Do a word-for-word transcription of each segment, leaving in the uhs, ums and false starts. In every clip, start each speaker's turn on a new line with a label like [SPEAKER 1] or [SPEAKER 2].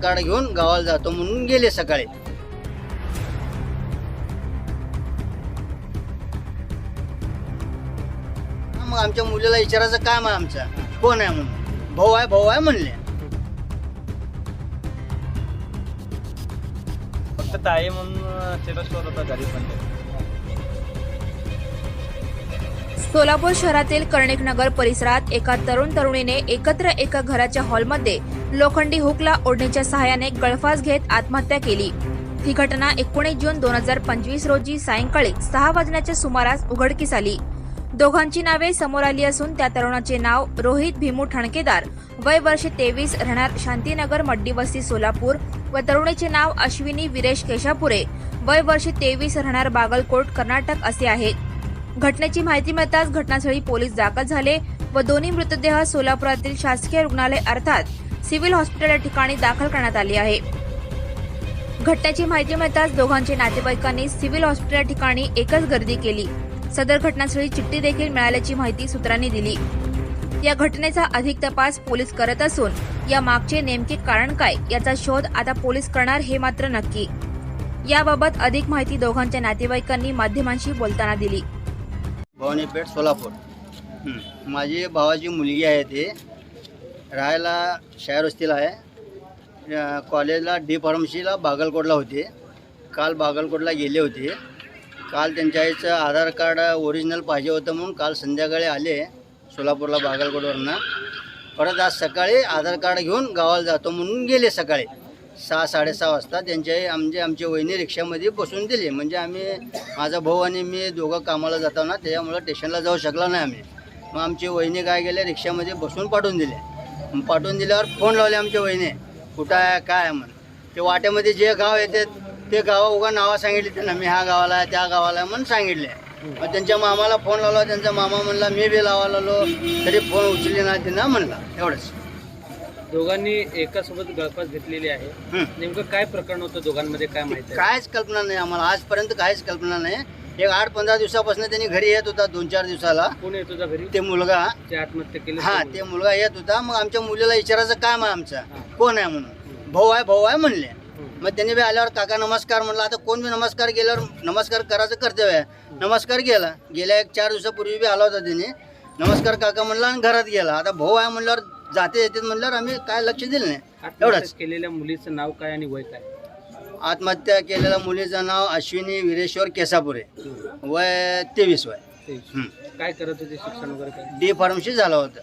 [SPEAKER 1] Card घेऊन गावाला जातो म्हणून गेले सकाळी. मग आमच्या मुलीला विचारायचं काम आहे आमचा कोण आहे म्हणून, भाऊ आहे भाऊ आहे म्हणले.
[SPEAKER 2] फक्त ताई म्हणून स्टेटस ठेवत होता घरी पण.
[SPEAKER 3] सोलापूर शहरातील कर्णिक नगर परिसरात एका तरुण तरुणीने एकत्र एका घराच्या हॉलमध्ये लोखंडी हुकला ओढणीच्या सहाय्याने गळफास घेत आत्महत्या केली. ही घटना एकोणीस जून दोन हजार पंचवीस रोजी सायंकाळी सहा वाजण्याच्या सुमारास उघडकीस आली. दोघांची नावे समोर आली असून त्या तरुणाचे नाव रोहित भीमू ठणकेदार, वय वर्ष तेवीस, राहणार शांतीनगर मड्डीवस्ती सोलापूर, व तरुणीचे नाव अश्विनी वीरेश केशापुरे, वय वर्ष तेवीस, राहणार बागलकोट कर्नाटक असे आहे. घटनेची माहिती मिळताच घटनास्थळी पोलीस दाखल झाले व दोन्ही मृतदेह सोलापुरातील शासकीय रुग्णालय अर्थात सिव्हिल हॉस्पिटल या ठिकाणी दाखल करण्यात आले आहे. घटनेची माहिती मिळताच दोघांचे नातेवाईकांनी सिव्हिल हॉस्पिटल या ठिकाणी एकच गर्दी केली. सदर घटनास्थळी चिठ्ठी देखील मिळाल्याची माहिती सूत्रांनी दिली. या घटनेचा अधिक तपास पोलीस करत असून या मागचे नेमके कारण काय याचा शोध आता पोलीस करणार हे मात्र नक्की. याबाबत अधिक माहिती दोघांच्या नातेवाईकांनी माध्यमांशी बोलताना दिली.
[SPEAKER 1] भवानीपेठ सोलापूर. माझी भावाची मुलगी आहे, ते राहायला शायर वस्तीला आहे. कॉलेजला डी फार्मसीला बागलकोटला होते. काल बागलकोटला गेले होते. काल त्यांच्या आईचं आधार कार्ड ओरिजिनल पाहिजे होतं म्हणून काल संध्याकाळी आले सोलापूरला बागलकोटवरनं. परत आज सकाळी आधार कार्ड घेऊन गावाला जातो म्हणून गेले सकाळी सहा साडेसहा वाजता. त्यांच्या आई आमचे आमचे वहिनी रिक्षामध्ये बसून दिले. म्हणजे आम्ही माझा भाऊ आणि मी दोघं कामाला जातो ना, त्याच्यामुळं स्टेशनला जाऊ शकला नाही आम्ही. मग आमची वहिनी काय गेले, रिक्षामध्ये बसून पाठवून दिले. पाठवून दिल्यावर फोन लावले आमच्या वहिनी, कुठं आहे काय आहे म्हणून. ते वाट्यामध्ये जे गाव येते ते गावा उगा नावं सांगितली त्यांना, मी ह्या गावाला आहे त्या गावाला आहे म्हणून सांगितले. मग त्यांच्या मामाला फोन लावला, त्यांचा मामा म्हणला मी बी लावायला आलो तरी फोन उचलले नाही त्यांना म्हणला. एवढंच.
[SPEAKER 4] दोघांनी एकासोबत गळफास घेतलेली आहे. नेमकं काय प्रकरण होतं दोघांमध्ये काय माहिती?
[SPEAKER 1] काहीच कल्पना नाही आम्हाला आजपर्यंत, काहीच कल्पना नाही. एक आठ पंधरा दिवसापासून त्यांनी घरी येत होता, दोन चार दिवसाला.
[SPEAKER 4] कोण येत होता घरी?
[SPEAKER 1] ते मुलगा
[SPEAKER 4] जे आत्महत्या केली.
[SPEAKER 1] हा ते मुलगा येत होता. मग आमच्या मुलीला विचारायचं काम आहे आमचा कोण आहे म्हणून, भाऊ आहे भाऊ आहे म्हणले. मग त्यांनी बी आल्यावर काका नमस्कार म्हणला. आता कोण बी नमस्कार केल्यावर नमस्कार करायचं कर्तव्य आहे. नमस्कार केला. गेल्या एक चार दिवसापूर्वी बी आला होता त्यांनी. नमस्कार काका म्हणला आणि घरात गेला. आता भाऊ आहे म्हणल्यावर जाते येते म्हणल्यावर आम्ही काय लक्ष दिलं नाही. एवढंच.
[SPEAKER 4] केलेल्या मुलीचं नाव काय आणि वय काय?
[SPEAKER 1] आत्महत्या केलेल्या मुलीचं नाव अश्विनी वीरेश्वर केसापुरे, वय तेवीस वय.
[SPEAKER 4] काय करत होते, शिक्षण वगैरे काय?
[SPEAKER 1] डी फार्मसी झालं होतं.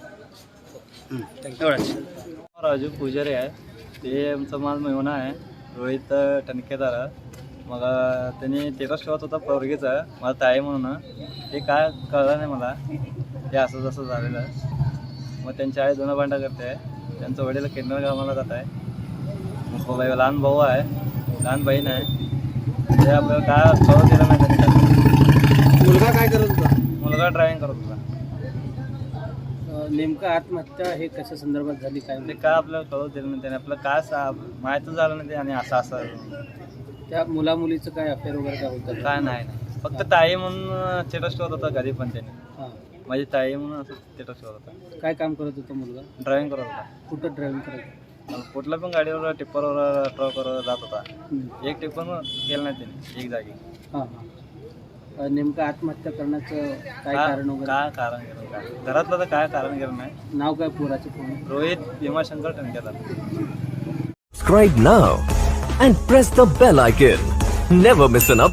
[SPEAKER 1] एवढंच.
[SPEAKER 2] राजू पुजारी आहे, ते आमचा माल मेहना आहे, रोहित टणकेदार. मग त्यांनी स्टेटस ठेवत होता पोरगीचा, मला ताई म्हणून. ते काय कळलं नाही मला, ते असं जसं झालेलं. मग त्यांची आई दोन भांडा करते. त्यांचं वडील किन्नर कामाला जात आहे. मग लहान भाऊ आहे, लहान बहीण आहे. ते आपल्याला काय कळू दिलं नाही त्यांनी.
[SPEAKER 4] मुलगा काय करत होता?
[SPEAKER 2] मुलगा ड्रायव्हिंग करत होता.
[SPEAKER 4] नेमकं आत्महत्या हे कशा संदर्भात झाली काय?
[SPEAKER 2] ते काय आपल्याला कळू दिलं नाही त्याने. आपलं काय सा माहीतच झालं नाही ते. आणि असं असं
[SPEAKER 4] त्या मुला मुलीचं काय अफेअर वगैरे काय होतं?
[SPEAKER 2] काय नाही नाही फक्त ताई म्हणून स्टेटस ठेवत होता घरी पण त्याने.
[SPEAKER 4] हां,
[SPEAKER 2] माझी ताई म्हणून असं स्टेटस ठेवत होता.
[SPEAKER 4] काय काम करत होता मुलगा?
[SPEAKER 2] ड्रायव्हिंग करत होता.
[SPEAKER 4] कुठं ड्रायव्हिंग करत?
[SPEAKER 2] कुठल्या पण गाडीवर टिप्परवर ट्रकवर जात होता. एक टिप्पर केलं नाही त्याने एक जागी.
[SPEAKER 4] हां हां. नेमकं आत्महत्या करण्याचं काय कारण वगैरे?
[SPEAKER 2] काय कारण केलं काय घरातलं तर काय कारण केलं नाही.
[SPEAKER 4] नाव काय पोराचं? कोण?
[SPEAKER 2] Rohit Bhimashankar टणकेदार.
[SPEAKER 5] Subscribe now and press the bell icon. Never miss an update.